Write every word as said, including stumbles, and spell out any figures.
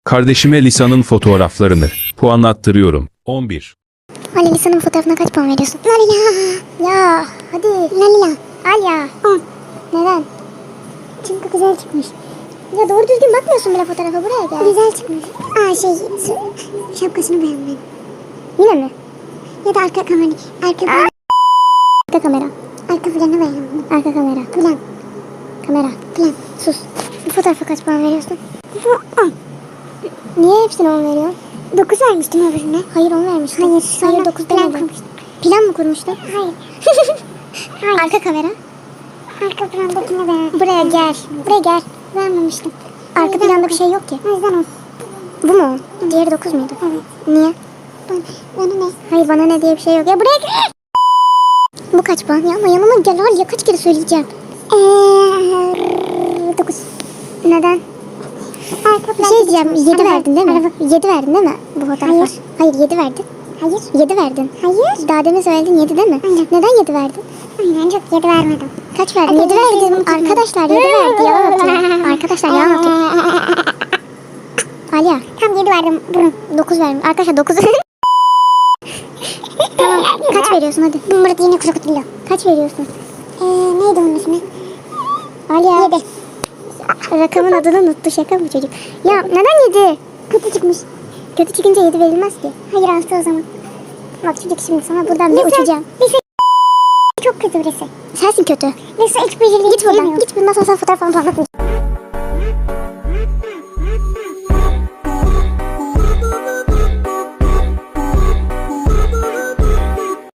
Kardeşime Lisa'nın fotoğraflarını puanlattırıyorum. on bir. Ali Lisa'nın fotoğrafına kaç puan veriyorsun? Lalila. Ya hadi. Lalila. Al ya. on. Neden? Çünkü güzel çıkmış. Ya doğru düzgün bakmıyorsun bile fotoğrafa, buraya gel. Güzel çıkmış. Aa şey şapkasını beğenmedim. Yine mi? Ya da arka kamera. Arka kamera. Arka kamera. Arka planı beğenmedim. Arka kamera. Plan. Kamera. Plan. Sus. Bu fotoğrafa kaç puan veriyorsun? on. Niye hepsine on veriyorsun? dokuz vermiştim öbürüne. Hayır on vermiştim. Hayır. Hayır dokuz plan kurmuştum. Plan mı kurmuştun? Hayır. Hayır. Arka kamera. Arka plandakine beğendim. Buraya gel. Buraya gel. Vermemiştim. Arka planda bir şey yok ki. O yüzden on. Bu mu? Diğeri dokuz muydu? Evet. Niye? Bana, bana ne? Hayır bana ne diye bir şey yok. Ya buraya gel. Bu kaç puan ya? Ama yanıma gel al ya, kaç kere söyleyeceğim. Eee dokuz. Neden? Bir şey diyeceğim. yedi verdin değil mi? yedi verdin değil mi bu fotoğrafa? Hayır. Hayır yedi verdin. Hayır. yedi verdin. Hayır. Daha demin söyledin yedi değil mi? Aynen. Neden yedi verdin? Aynen çok yedi vermedim. Kaç verdin? yedi verdim. Arkadaşlar yedi verdi. Yalan atıyor. Arkadaşlar yalan atıyor. Alya. Tam yedi verdim. Burun. dokuz verdim. Arkadaşlar dokuz. Tamam. Kaç veriyorsun hadi? Burada yine krokodillo. Kaç veriyorsun? Eee neydi onun ismi? Alya. yedi. Rakamın adını unuttu, şaka mı çocuk? Ya neden yedi? Kötü çıkmış. Kötü çıkınca yedi verilmez ki. Hayır altı o zaman. Bak çocuk şimdi sana buradan bir uçacağım. Lise çok kötü birisi. Sensin kötü. Lise hiç becerili. Git buradan. Git bundan sonra sana fotoğraf falan anlatmayacağım.